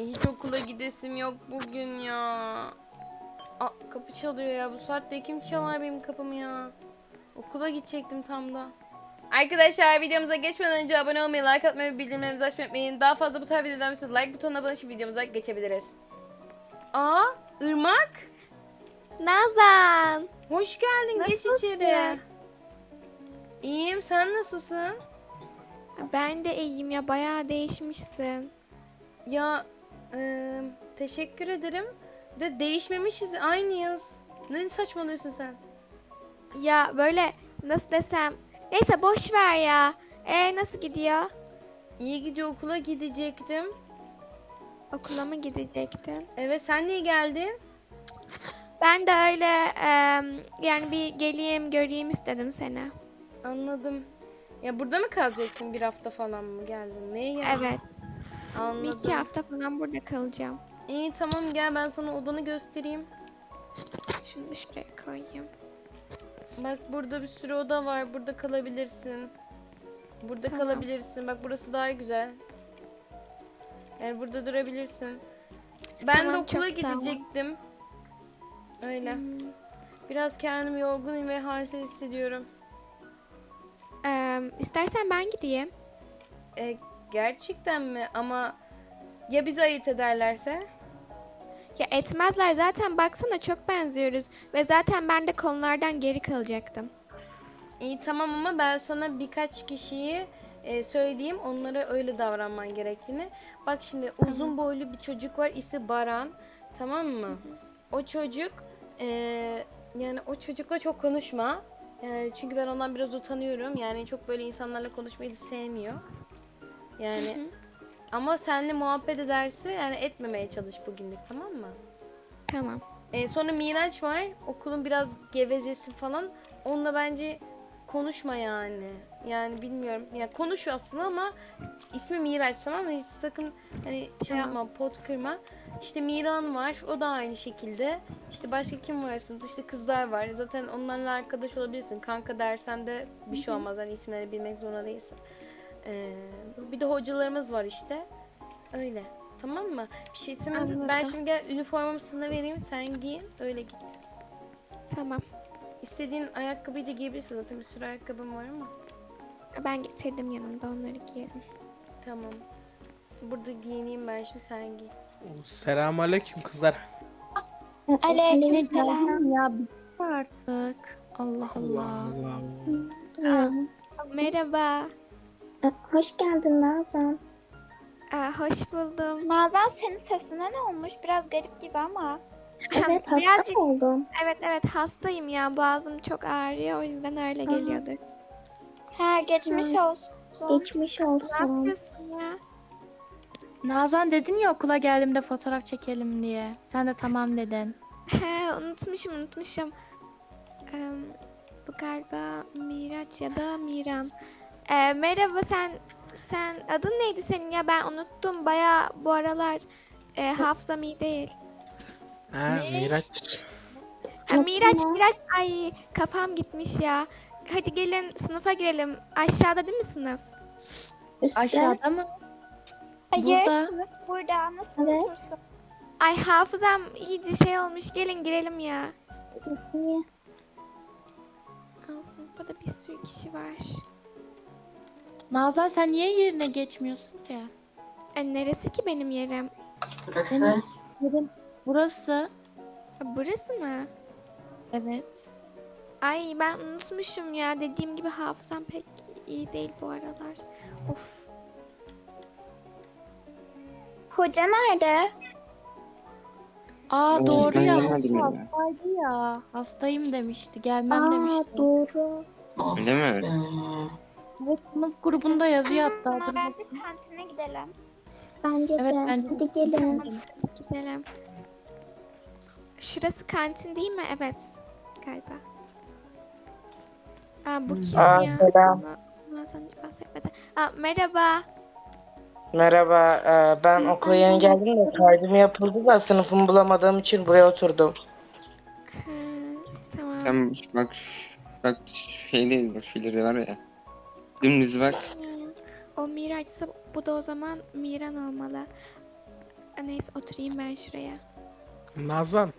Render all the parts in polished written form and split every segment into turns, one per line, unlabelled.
hiç okula gidesim yok bugün ya. Aa, kapı çalıyor ya. Bu saatte kim çalar benim kapımı ya? Okula gidecektim tam da. Arkadaşlar videomuza geçmeden önce abone olmayı, like atmayı ve bildirimlerimizi açmayı unutmayın. Daha fazla bu tarz videolardan sonra like butonuna basıp videomuza geçebiliriz. Aa, Irmak.
Nazan,
Hoş geldin. Geç
nasılsın?
içeri. İyiyim. Sen nasılsın?
Ben de iyiyim ya, bayağı değişmişsin.
Ya teşekkür ederim. De değişmemişiz. Aynıyız. Ne saçmalıyorsun sen?
Ya böyle nasıl desem, neyse boş ver ya. Nasıl gidiyor?
İyi gidiyor, okula gidecektim.
Okula mı gidecektin?
Evet, sen niye geldin?
Ben de öyle yani bir geleyim göreyim istedim seni.
Anladım. Ya burada mı kalacaksın, bir hafta falan mı geldin? Neye geldin?
Evet, bir iki
Anladım.
hafta falan burada kalacağım.
İyi tamam, gel ben sana odanı göstereyim.
Şunu da şuraya koyayım.
Bak burada bir sürü oda var. Burada kalabilirsin. Burada
Tamam.
kalabilirsin. Bak burası daha güzel. Yani burada durabilirsin. Ben de
Tamam,
okula
çok sağ ol.
gidecektim. Öyle.
Hmm,
Biraz kendimi yorgunum ve halsiz hissediyorum.
istersen ben gideyim.
E, gerçekten mi? Ama ya bizi ayırt ederlerse?
Ya etmezler, zaten baksana çok benziyoruz ve zaten ben de konulardan geri kalacaktım.
İyi tamam, ama ben sana birkaç kişiyi söyleyeyim. Onlara öyle davranman gerektiğini. Bak şimdi uzun boylu bir çocuk var. İsmi Baran. Tamam mı? O çocuk e, yani o çocukla çok konuşma. Çünkü ben ondan biraz utanıyorum. Yani çok böyle insanlarla konuşmayı da sevmiyor. Yani ama seninle muhabbet ederse yani etmemeye çalış bugünlük, tamam mı?
Tamam.
Sonra Miraç var. Okulun biraz gevezesi falan. Onunla bence konuşma yani. Yani bilmiyorum. Ya konuş aslında ama ismi Miraç, tamam mı? Hiç sakın hani şey
Tamam.
yapma, pot kırma. İşte Miran var. O da aynı şekilde. İşte başka kim var sınıfta? İşte kızlar var. Zaten onlarla arkadaş olabilirsin. Kanka dersen de bir şey olmaz. Hani isimleri bilmek zorunda değilsin. Bir de hocalarımız var işte. Öyle. Tamam mı? Bir şey istemedim. Ben
Anladım.
şimdi gel üniformamı sana vereyim. Sen giyin. Öyle git.
Tamam.
İstediğin ayakkabıyı da giyebilirsin. Zaten bir sürü ayakkabım var ama.
Ben getirdim yanımda, onları giyerim.
Tamam. Burada giyineyim ben şimdi, sen giy.
Selamünaleyküm kızlar.
Aleykümselam.
Ya bitti artık. Allah Allah.
Merhaba.
Hoş geldin Nazan.
Hoş buldum.
Nazan, senin sesine ne olmuş? Biraz garip gibi ama. Evet, hasta
Birazcık-
mı oldun?
Evet hastayım ya. Boğazım çok ağrıyor, o yüzden öyle geliyordur.
He, geçmiş olsun. Geçmiş
Ne
olsun.
yapıyorsun ya?
Nazan dedin ya okula geldiğimde fotoğraf çekelim diye. Sen de tamam dedin.
Unutmuşum. Bu galiba Miraç ya da Miran. Merhaba, sen adın neydi senin ya, ben unuttum baya bu aralar hafızam iyi değil.
Ha, Miraç.
Miraç, ay kafam gitmiş ya. Hadi gelin sınıfa girelim. Aşağıda değil mi sınıf?
Aşağıda mı?
Hayır,
Burada.
sınıf burada. Nasıl
Evet.
otursun?
Ay hafızam iyice şey olmuş. Gelin girelim ya.
Niye?
Aa, sınıfta da bir sürü kişi var.
Nazan sen niye yerine geçmiyorsun ki?
Neresi ki benim yerim?
Senin yerin burası.
Burası mı?
Evet.
Ay ben unutmuşum ya. Dediğim gibi hafızam pek iyi değil bu aralar. Of.
Hoca nerede?
Aa doğru
Ben
ya.
gelmedim ya.
Hastaydı ya. Hastayım demişti. Gelmem demişti.
Doğru.
Öyle mi?
Evet, sınıf grubunda yazıyor hatta. Dur
Bence
bakayım.
kantine gidelim. Bence
Evet
de.
bence
Hadi gelin.
Gidelim. Şurası kantin değil mi? Evet. Galiba. Bu kim ya?
Selam.
Bundan sana hiç bahsetmedi. Merhaba.
Merhaba. Ben okula yeni geldim de kaydım yapıldı da sınıfımı bulamadığım için buraya oturdum.
Ha, tamam.
Sen bak bak şey değil, bak şeyleri var ya. Dümdüz bak.
O Miraç'sa bu da o zaman Miran olmalı. Neyse oturayım ben şuraya.
Nazan,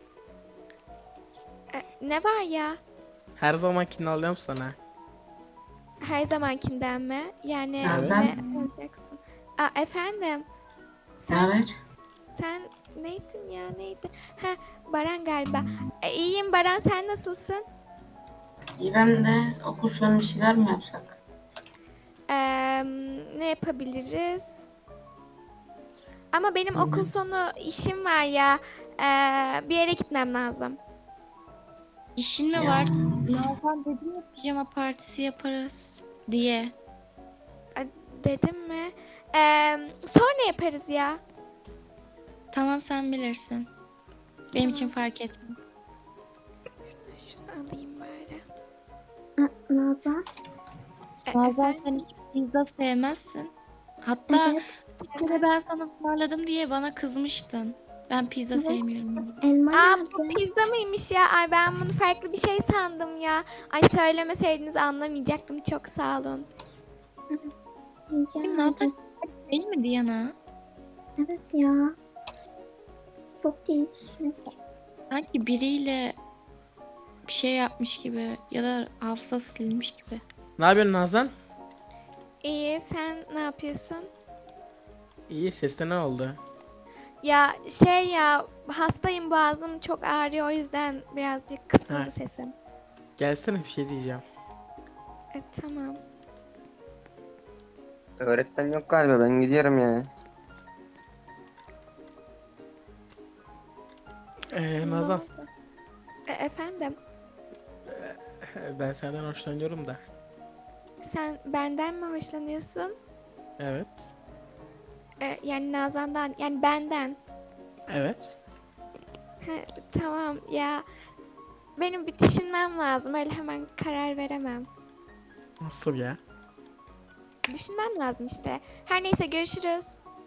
Ne var ya?
her zamankini alıyorum sana.
Her zamankinden mi? Yani
Nazan?
ne alacaksın? Efendim.
Ne
Sen
haber?
sen neydin ya neydi? Ha, Baran galiba. İyiyim Baran, sen nasılsın?
İyi ben de okul sonu bir şeyler mi yapsak?
Ne yapabiliriz? Ama benim okul sonu işim var ya. Bir yere gitmem lazım.
İşin mi
Ya.
var? Nazan dedim ya pijama partisi yaparız diye.
Dedim mi? Sonra yaparız ya.
Tamam sen bilirsin. Benim için fark etmez.
Şunu alayım bari.
Nazan.
Nazan
Efendim?
sen hiç pizza sevmezsin. Hatta
Evet.
bir kere ben sana ısmarladım diye bana kızmıştın. Ben pizza
Evet.
sevmiyorum.
Elma
Bu
nerede?
pizza mıymış ya? Ay ben bunu farklı bir şey sandım ya. Ay söylemeseydiniz anlamayacaktım. Çok sağ olun.
Rica
Nazan
ederim.
değil mi Diana?
Evet ya. Çok değişik.
Sanki biriyle bir şey yapmış gibi ya da hafızası silinmiş gibi.
Ne yapıyorsun Nazan?
İyi, sen ne yapıyorsun?
İyi, seste ne oldu?
Ya hastayım, boğazım çok ağrıyor, o yüzden birazcık kısıldı
Ha.
sesim.
Gelsene, bir şey diyeceğim.
Tamam.
Öğretmen yok galiba, ben gidiyorum ya.
Nazan,
Efendim,
ben senden hoşlanıyorum da.
sen benden mi hoşlanıyorsun?
Evet.
Yani Nazan'dan, yani benden.
Evet.
Tamam ya. Benim bir düşünmem lazım. Öyle hemen karar veremem.
Nasıl ya?
Düşünmem lazım işte. Her neyse, görüşürüz.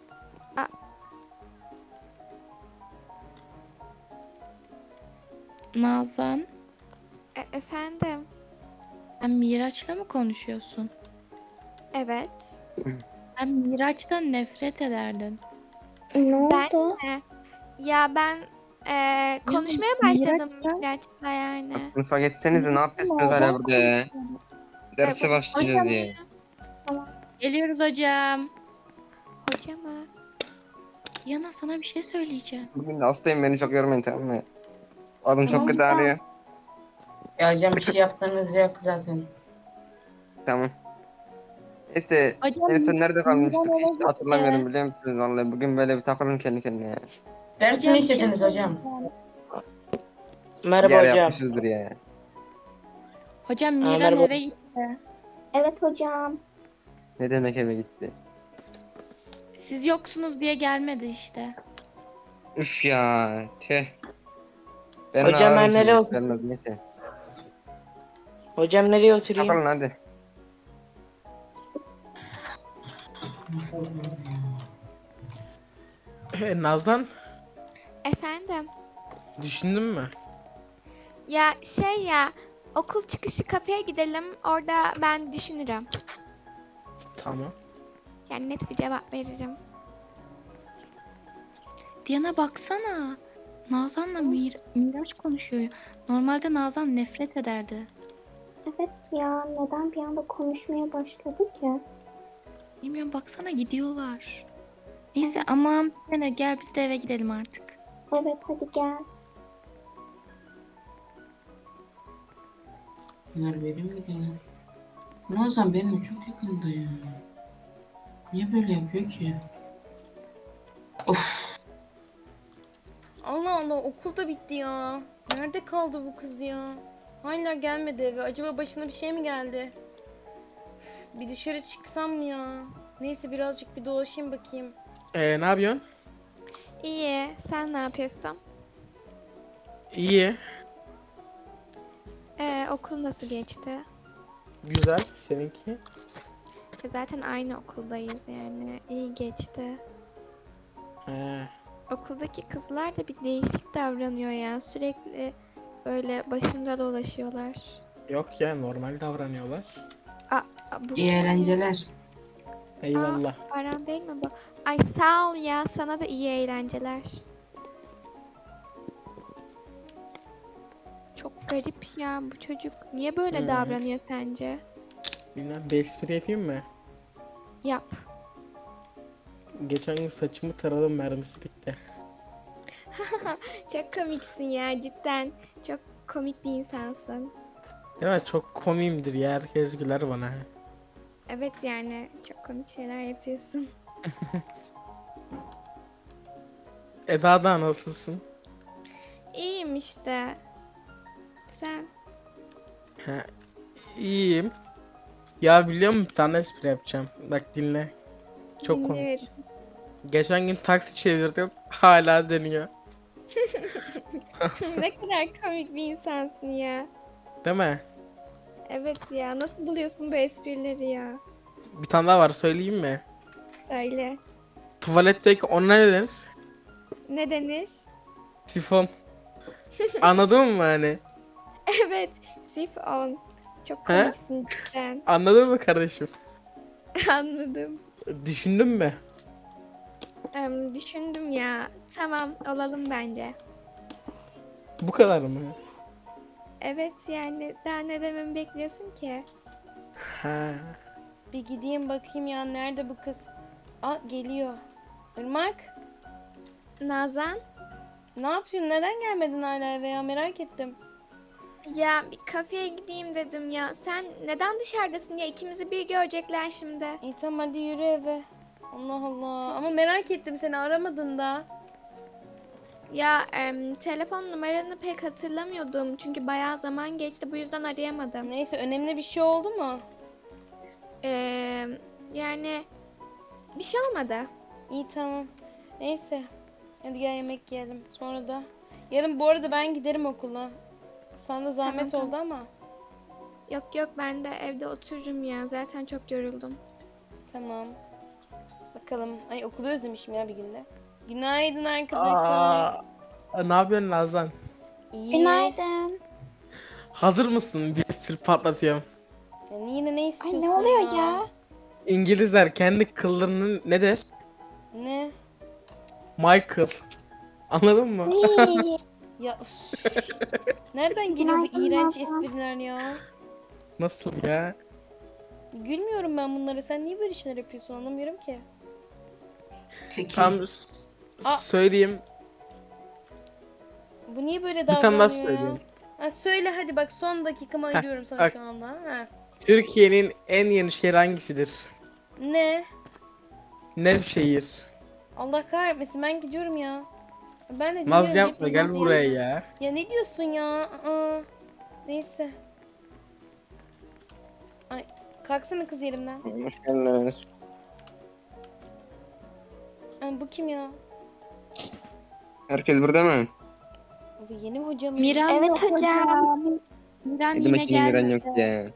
Nazan,
Efendim.
sen Miraç'la mı konuşuyorsun?
Evet.
Sen Miraç'tan nefret ederdin.
Ne
Ben
oldu?
Ya ben konuşmaya başladım Miraç'la yani.
Sınıfa geçsenize, ne yapıyorsunuz hala burada ya? Derse başlayacağız ya.
Geliyoruz hocam.
Hoca mı?
Diana sana bir şey söyleyeceğim.
Bugün de hastayım, beni çok yormayın, tamam mı? Adım çok
Tamam,
kötü
tamam.
ağrıyor.
Ya hocam bir şey yaptığınız yok zaten.
Tamam. Neyse,
Hocam,
en son nerede kalmıştık
Miran
hiç
olacak
hatırlamıyorum, biliyor musunuz? Vallahi bugün böyle bir takılın kendi kendine ya.
Ders
Hocam
mi
bir şey
işlediniz hocam?
söyleyeceğim.
Bir
Merhaba
yer
hocam.
yapmışızdır ya.
Hocam Miran
merhaba.
eve gitti.
Evet hocam.
Ne demek eve gitti?
Siz yoksunuz diye gelmedi işte.
Üf ya, tüh. Ben
Hocam,
ararım
ben
sizi,
nereye
hiç gelmez, neyse.
Hocam nereye oturayım?
Takılın hadi.
Nazan,
Efendim.
düşündün mü?
Ya okul çıkışı kafeye gidelim. Orada ben düşünürüm.
Tamam.
Yani net bir cevap veririm.
Diana baksana. Nazan'la Miraç konuşuyor. Normalde Nazan nefret ederdi.
Evet ya, neden bir anda konuşmaya başladı ki?
Bilmiyorum, baksana gidiyorlar. Neyse aman Diana gel biz de eve gidelim artık.
Evet hadi gel.
Bunlar beri mi gidiyorlar? Nazan benimle çok yakında ya. Niye böyle yapıyor ki? Of.
Allah Allah, okul da bitti ya. Nerede kaldı bu kız ya? Hala gelmedi eve. Acaba başına bir şey mi geldi? Üf, bir dışarı çıksam mı ya? Neyse, birazcık bir dolaşayım bakayım.
Ne yapıyorsun?
İyi. Sen ne yapıyorsun?
İyi.
Okul nasıl geçti?
Güzel. Seninki?
Zaten aynı okuldayız yani. İyi geçti.
He.
Okuldaki kızlar da bir değişik davranıyor ya. Sürekli böyle başımda dolaşıyorlar.
Yok ya, normal davranıyorlar.
Bu
İyi
kim?
eğlenceler.
Eyvallah.
Baran değil mi bu? Ay sağ ol ya. Sana da iyi eğlenceler. Çok garip ya bu çocuk. Niye böyle davranıyor sence?
Bilmem, bir espri yapayım mı?
Yap.
Geçen gün saçımı taradım, mermisi bitti.
Çok komiksin ya cidden. Çok komik bir insansın.
Değil mi? Çok komiyimdir ya. Herkes güler bana.
Evet yani çok komik şeyler yapıyorsun.
Eda da nasılsın?
İyiyim işte. Sen?
Ha, iyiyim. Ya biliyor musun, bir tane espri yapacağım. Bak dinle. Çok komik.
Dinliyorum.
Geçen gün taksi çevirdim. Hala dönüyor.
Ne kadar komik bir insansın ya.
Değil mi?
Evet ya nasıl buluyorsun bu esprileri ya?
Bir tane daha var, söyleyeyim mi?
Söyle.
Tuvaletteki ona ne denir?
Ne denir?
Sifon. Anladın mı hani?
Evet, sifon. Çok
He?
komiksin cidden.
Anladın mı kardeşim?
Anladım.
Düşündün mü?
Düşündüm ya. Tamam, olalım bence.
Bu kadar mı?
Evet yani daha ne dememi bekliyorsun ki?
Ha.
Bir gideyim bakayım ya, nerede bu kız? Aa, geliyor. Irmak,
Nazan?
ne yapıyorsun? Neden gelmedin hala eve ya? Merak ettim.
Ya bir kafeye gideyim dedim ya. Sen neden dışarıdasın ya? İkimizi bir görecekler şimdi.
İyi tamam, hadi yürü eve. Allah Allah. Ama merak ettim, seni aramadın da.
Ya telefon numaranı pek hatırlamıyordum. Çünkü bayağı zaman geçti. Bu yüzden arayamadım.
Neyse, önemli bir şey oldu mu?
Yani bir şey olmadı.
İyi tamam. Neyse. Hadi gel yemek yiyelim. Sonra da. Yarın bu arada ben giderim okula. Sana da zahmet
Tamam,
oldu ama.
Yok yok ben de evde otururum ya. Zaten çok yoruldum.
Tamam. Bakalım. Ay, okulu özlemişim ya bir günde. Günaydın arkadaşlar.
Ne yapıyorsun Nazan?
İyi.
Günaydın.
Hazır mısın? Bir espri patlatıyorum.
Yani yine ne istiyorsun
Ay ne oluyor ya?
İngilizler kendi kıllarını ne der?
Ne?
Michael. Anladın mı?
İyi.
Ya üf. Nereden geliyor bu
Günaydın
iğrenç
Nazan.
espriler ya?
Nasıl ya?
Gülmüyorum ben bunlara. Sen niye böyle şeyler yapıyorsun, anlamıyorum ki.
Çekil.
Tam
Aa.
söyleyeyim.
Bu niye böyle
Bir tane
davranıyor
daha
ya?
söyleyeyim.
Ha, söyle hadi bak, son dakikamı
Heh,
ayırıyorum sana
bak.
şu anda. Ha.
Türkiye'nin en yeni şehri hangisidir?
Ne?
Nevşehir.
Allah kahretmesin, ben gidiyorum ya. Ben de
Naz
dinliyorum,
yapma,
hep
gel
dinliyorum.
buraya ya.
Ya ne diyorsun ya? Aa. Neyse. Ay, kalksana kız yerimden.
Hoş geldiniz.
Ay, bu kim ya?
Herkes burada mı?
Bu yeni mi hocam?
Miran
Evet
yok
hocam.
Miran
Ne
yine
demek yeni Miran
gelmedi.
yok ya.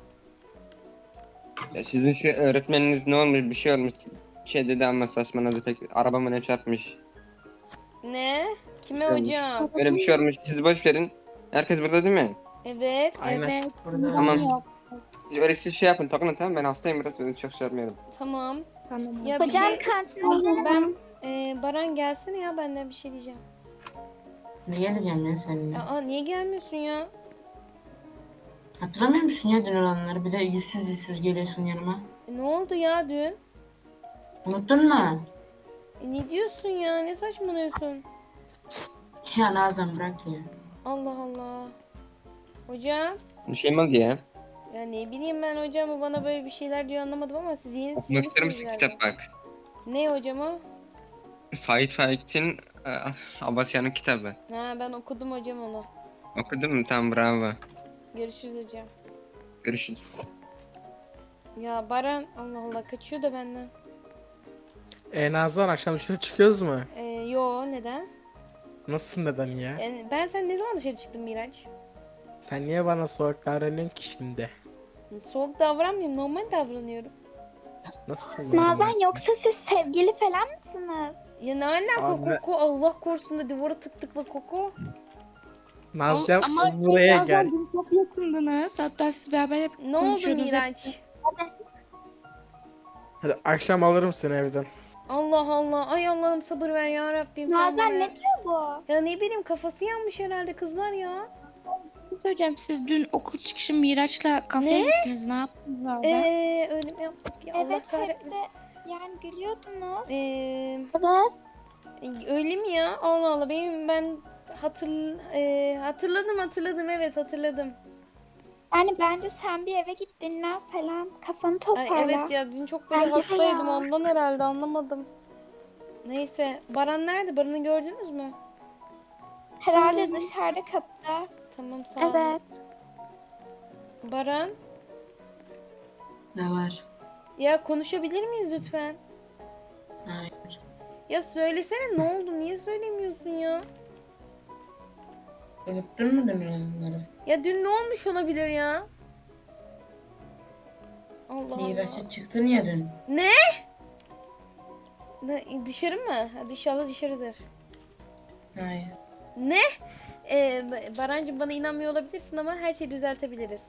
Ya sizin şu öğretmeniniz ne olmuş, bir şey olmuş. Şey dedi ama saçmaladı, pek arabama ne çarpmış.
Ne? Kime
Olmuş.
hocam?
Böyle bir şey olmuş, siz boş verin. Herkes burada değil mi?
Evet.
Aynen.
Evet.
Burada.
Tamam.
Yok.
Öyle siz şey yapın, takılın tamam, ben hastayım biraz, öyle çok şey yapmayalım.
Tamam.
Tamam.
Ya bir
Hocam
şey...
kantine
Ben... Baran gelsene ya, benden bir şey diyeceğim.
Ne geleceğim ya seninle?
Aa, niye gelmiyorsun ya?
Hatırlamıyor musun ya dün olanları? Bir de yüzsüz geliyorsun yanıma.
Ne oldu ya dün?
Unuttun mu?
Ne diyorsun ya? Ne saçmalıyorsun?
Ya Nazan bırak ya.
Allah Allah. Hocam?
Bir şey mi oldu ya?
Ya ne bileyim ben, hocam o bana böyle bir şeyler diyor, anlamadım ama siz
Okumak ister misin
yenisiniz
kitap
galiba.
bak.
Ne hocam o?
Sait Faik'in Abasya'nın kitabı.
Ha, ben okudum hocam onu.
Okudun mu? Tamam, bravo.
Görüşürüz hocam.
Görüşürüz.
Ya Baran Allah Allah kaçıyor da benden.
Nazan, akşam dışarı çıkıyoruz mu?
Yo, neden?
Nasıl, neden ya?
Yani ben sen ne zaman dışarı çıktın Miraç?
Sen niye bana soğuk davranıyorsun ki şimdi?
Soğuk davranmıyorum, normal davranıyorum.
Nasıl?
Nazan yoksa siz sevgili falan mısınız?
Ya ne alaka
Abi-
Koko, Allah korusun da duvara tık tıkla Koko.
Nazcan
Ama
buraya
Nazan
gel.
dün çok yakındınız. Hatta siz beraber hep
Ne oldu
konuşuyordunuz.
Miraç?
Hadi akşam alırım seni evden.
Allah Allah. Ay Allah'ım sabır ver ya Rabbim. sen
Nazan
bana.
ne diyor bu?
Ya ne bileyim kafası yanmış herhalde kızlar ya.
Söyleyeceğim, siz dün okul çıkışı Miraç'la kafeye gittiniz. Ne yaptınız orada?
Öyle mi yaptık ya? Allah
Evet hep
kahretmesin.
de yani gülüyordunuz.
Evet. Öyle mi ya? Allah Allah. Ben hatırladım evet hatırladım.
Yani bence sen bir eve git dinlen falan. Kafanı
Ay,
toparla.
evet ya dün çok böyle
Bence de
hastaydım
ya.
ondan herhalde anlamadım. Neyse Baran nerede? Baran'ı gördünüz mü?
Herhalde dışarıda kapıda.
Tamam sağ ol.
Evet.
Baran
Ne var?
ya konuşabilir miyiz lütfen?
Hayır.
Ya söylesene ne oldu? Niye söylemiyorsun ya?
Unuttun mu dün olanları?
Ya dün ne olmuş olabilir ya? Allah Allah.
Miraç'a çıktın ya dün.
Dışarı mı? Hadi inşallah dışarıdır.
Hayır.
Ne? Barancığım bana inanmıyor olabilirsin ama her şeyi düzeltebiliriz.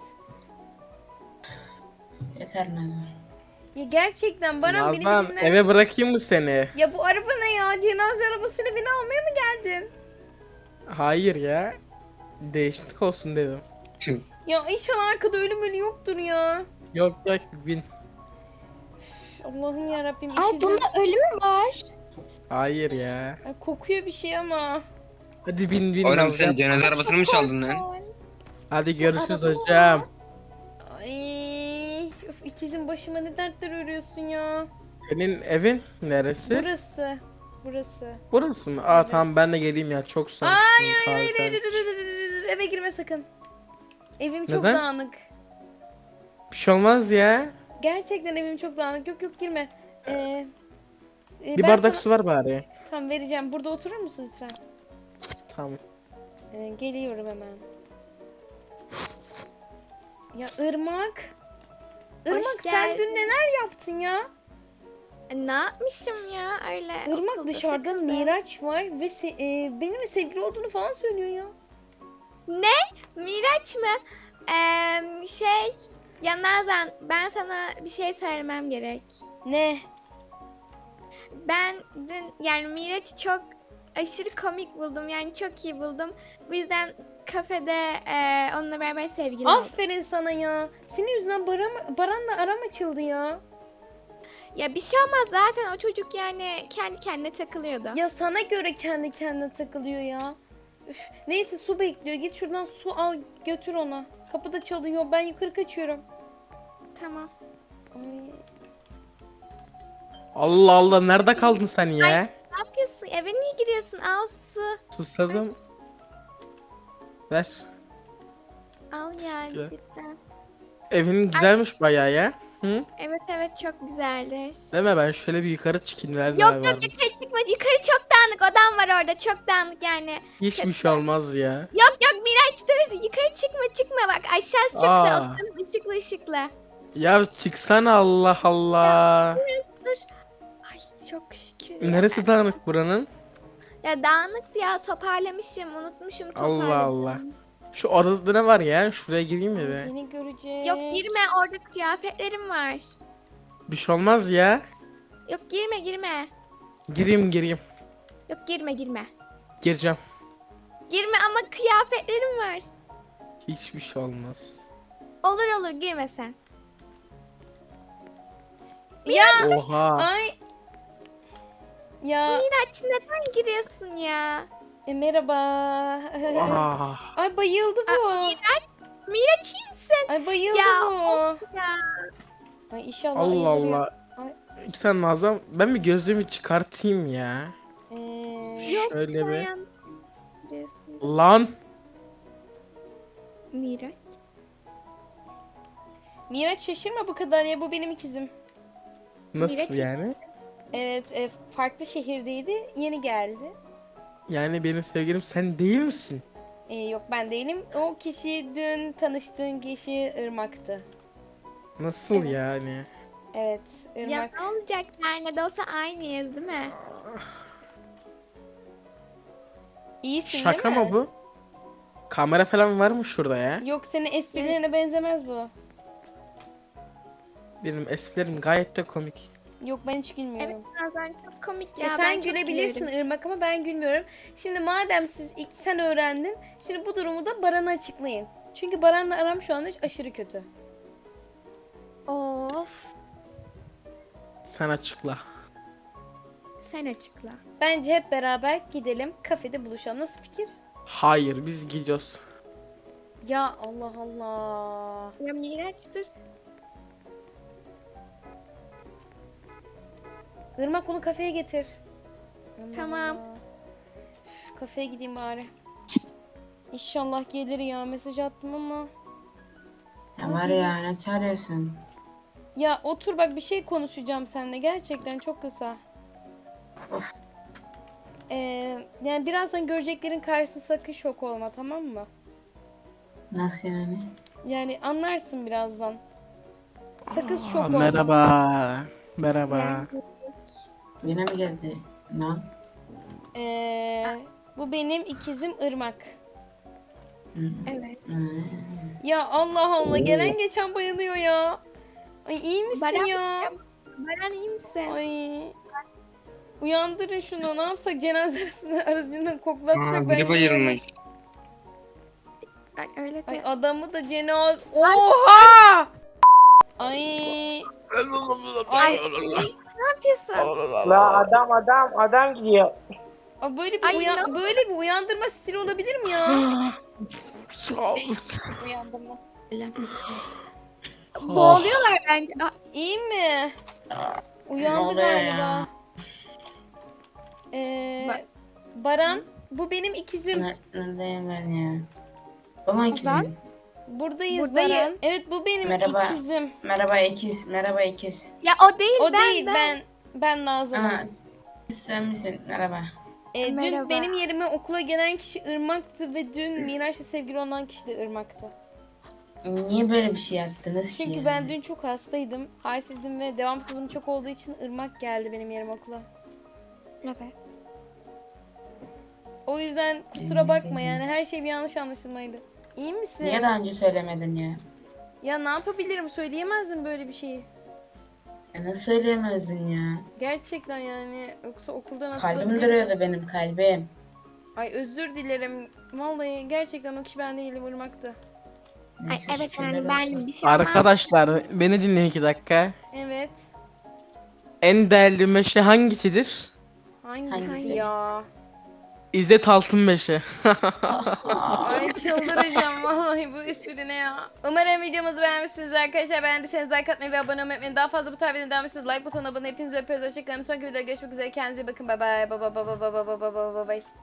Yeter Nazan.
Ya gerçekten Baran beni
Nazan
bir dinler.
eve bırakayım mı seni?
Ya bu araba ne ya? Cenaze arabasıyla beni almaya mı geldin?
Hayır ya. Değişiklik olsun dedim.
Ya inşallah arkada ölüm yoktur ya.
Yok bin.
Allah'ım yarabbim
Ay
ikizim.
bunda ölü mü var?
Hayır ya.
Ay, kokuyor bir şey ama.
Hadi bin
Oğlum
Nazan.
sen cenaze arabasını mı çaldın lan?
Hadi görüşürüz hocam.
Ay, üf, ikizim başıma ne dertler örüyorsun ya.
Senin evin neresi?
Burası. Burası.
Burası mı? Aa
Evet.
tamam ben de geleyim ya. Çok sağ
Hayır eve girme sakın. Evim çok
Neden?
dağınık.
Bir şey olmaz ya.
Gerçekten evim çok dağınık. Yok girme.
Bir
Ben
bardak
sana-
su var bari.
Tamam vereceğim. Burada oturur musun lütfen?
Tamam.
Geliyorum hemen. Ya Irmak. Irmak sen
geldin.
dün neler yaptın ya?
Ne yapmışım ya öyle
Irmak
okulda
dışarıda
takıldım.
Miraç var ve benimle sevgili olduğunu falan söylüyor ya.
Miraç mı? Ya Nazan ben sana bir şey söylemem gerek.
Ne?
Ben dün yani Miraç'ı çok aşırı komik buldum yani çok iyi buldum. Bu yüzden kafede onunla beraber sevgili oldum.
Aferin sana ya. Senin yüzünden Baran'la aram açıldı ya.
Ya bir şey olmaz zaten o çocuk yani kendi kendine takılıyordu.
Ya sana göre kendi kendine takılıyor ya. Üf. Neyse su bekliyor. Git şuradan su al götür ona. Kapıda çalıyor. Ben yukarı kaçıyorum.
Tamam.
Ay.
Allah Allah nerede kaldın sen ya?
Ne yapıyorsun? Eve niye giriyorsun? Al su.
Susadım. Ver.
Al ya
Güzel.
cidden.
Evin güzelmiş bayağı ya. Hı?
Evet çok güzeldir.
Deme ben şöyle bir yukarı çıkayım. Nerede
Yok
var?
yukarı çıkma. Yukarı çok dağınık. Odam var orada. Çok dağınık yani.
Hiçbir
kötü.
şey olmaz ya.
Yok Miraç dur. Yukarı çıkma bak. Aşağısı çok güzel.
Aa.
Odanın ışıklı.
Ya çıksana Allah Allah.
Dur. Ay çok şükür ya.
Neresi dağınık buranın?
Ya dağınıktı ya. Toparlamışım. Unutmuşum
Allah
toparladım.
Allah. Şu odada ne var ya? Şuraya gireyim mi be?
Beni görecek.
Yok girme. Orada kıyafetlerim var.
Bir şey olmaz ya.
Yok girme.
Gireyim.
Yok girme.
Gireceğim.
Girme ama kıyafetlerim var.
Hiçbir şey olmaz.
Olur girme sen.
Ya.
Oha.
Ay. Ya.
Miraç neden giriyorsun ya?
Merhaba.
Ah.
Ay bayıldı bu.
Miraç iyi misin?
Ay bayıldı
Ya,
bu.
Ya.
Ay inşallah
Allah
iyidir ya.
Allah.
Ay.
Sen Nazan ben bir gözlüğümü çıkartayım ya.
Yok
Şöyle
sen
bir.
yanlış giriyorsun.
Lan.
Miraç.
Miraç şaşırma bu kadar ya bu benim ikizim.
Nasıl
Miraç-
yani?
Evet farklı şehirdeydi yeni geldi.
Yani benim sevgilim sen değil misin?
Yok ben değilim. O kişi dün tanıştığın kişi Irmak'tı.
Nasıl yani?
Evet
Ya
Irmak.
ne olacak yani ne de olsa aynıyız değil mi?
İyisin
Şaka
değil mi?
mı bu? Kamera falan var mı şurada ya?
Yok senin esprilerine benzemez bu.
Benim esprilerim gayet de komik.
Yok ben hiç gülmüyorum.
Evet Nazan çok komik
Ya
ya.
sen
ben çok
gülebilirsin
gülerim.
Irmak ama ben gülmüyorum. Şimdi madem siz ilk sen öğrendin. Şimdi bu durumu da Baran'a açıklayın. Çünkü Baran'la aram şu anda aşırı kötü.
Of.
Sen açıkla.
Sen açıkla.
Bence hep beraber gidelim kafede buluşalım. Nasıl fikir?
Hayır biz gidiyoruz.
Ya Allah Allah.
Ya Miraç dur.
Irmak onu kafeye getir. Allah
Tamam.
Allah. Üf, kafeye gideyim bari. İnşallah gelir ya. Mesaj attım ama.
Ya var ya ne çağırıyorsun?
Ya otur bak bir şey konuşacağım seninle. Gerçekten çok kısa.
Of.
Yani birazdan göreceklerin karşısında sakın şok olma, tamam mı?
Nasıl yani?
Yani anlarsın birazdan. Sakın şok olma.
Merhaba. Merhaba.
Yine mi geldi? Lan.
Bu benim ikizim Irmak.
Hı.
Evet.
Hı.
Ya Allah Allah, gelen geçen bayılıyor ya. Ay iyi misin
Baran-
ya?
Baran iyi misin?
Ay. Uyandırın şunu. Ne yapsak, cenaze arasından koklatsak
Aa,
ben.
biri bayılmış.
Ay, öyle
Ay
de.
adamı da cenaze. Oha! Ay. Ay.
Ne yapıyorsun?
La adam gidiyor.
Ay, böyle bir
Ay, ne
böyle bir uyandırma stili olabilir mi ya?
Sağ ol.
Boğuluyorlar bence. Aa,
İyi mi?
Ne
Uyandı
oluyor
galiba.
ya?
Ba-
Baran, bu benim ikizim.
Neredeyim ben ya? Bu mu ikizin?
Buradayız
Buradayım.
Baran. Evet, bu benim
Merhaba.
ikizim.
Merhaba ikiz. Merhaba ikiz.
ya o değil
O
ben
değil, ben Nazan.
Aa, sen misin? Merhaba.
Dün
Merhaba.
benim yerime okula gelen kişi Irmak'tı ve dün Miraç'la sevgili olan kişi de Irmak'tı.
Niye böyle bir şey yaptınız ki?
Çünkü
yani?
ben dün çok hastaydım. Halsizdim ve devamsızlığım çok olduğu için Irmak geldi benim yerime okula.
Evet.
O yüzden kusura
Benim
bakma
de
yani, her şey bir yanlış anlaşılmaydı. İyi misin?
Niye daha önce söylemedin ya?
Ya ne yapabilirim? Söyleyemezdim böyle bir şeyi.
Nasıl söyleyemezdin ya?
Gerçekten yani. Yoksa okulda nasıl
Kalbim
olabilir?
duruyordu benim kalbim.
Ay özür dilerim. Vallahi gerçekten o kişi ben değilim, Irmak'tı.
Ay,
Neyse,
evet
şükürler
yani ben
olsun.
bir şey olmaz.
Arkadaşlar beni dinleyin 2 dakika.
Evet.
En değerli meşe hangisidir?
Hangisi
Hangisi?
ya?
İzzet Altınmeşe.
Ay çıldıracağım vallahi, bu espri ne ya? Umarım videomuzu beğenmişsiniz arkadaşlar. Beğendiyseniz like atmayı ve abone olmayı unutmayın. Daha fazla bu tarz videoların devam için like butonuna abone. Hepinizi öpüyoruz. Hoşçakalın. Sonraki videoda görüşmek üzere. Kendinize iyi bakın. Bye bye. Bye bye bye bye bye bye bye bye bye.